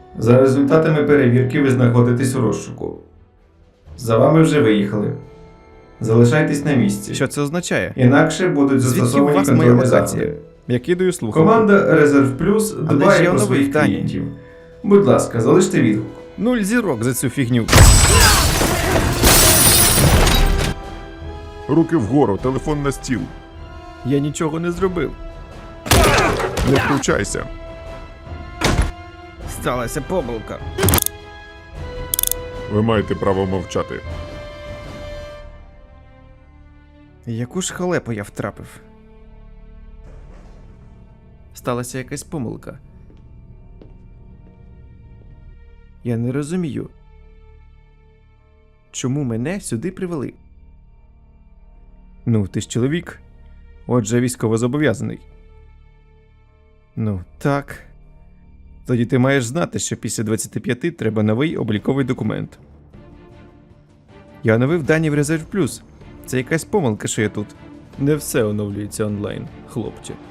За результатами перевірки ви знаходитесь у розшуку. За вами вже виїхали. Залишайтесь на місці. Що це означає? Інакше будуть Звідки у застосовані вас моя контрольні локація? заходи. Я кидаю слухавку. Команда Резерв Плюс Але ж дбає я про новий своїх в Данії. клієнтів. Будь ласка, залиште відгук. 0 зірок за цю фігню. Руки вгору, телефон на стіл. Я нічого не зробив. Не втручайся. Сталася помилка. Ви маєте право мовчати. Яку ж халепу я втрапив? Сталася якась помилка. Я не розумію. Чому мене сюди привели? Ну, ти ж чоловік. Отже, військовозобов'язаний. Ну, так. Тоді ти маєш знати, що після 25 треба новий обліковий документ. Я оновив дані в Резерв Плюс. Це якась помилка, що я тут. Не все оновлюється онлайн, хлопче.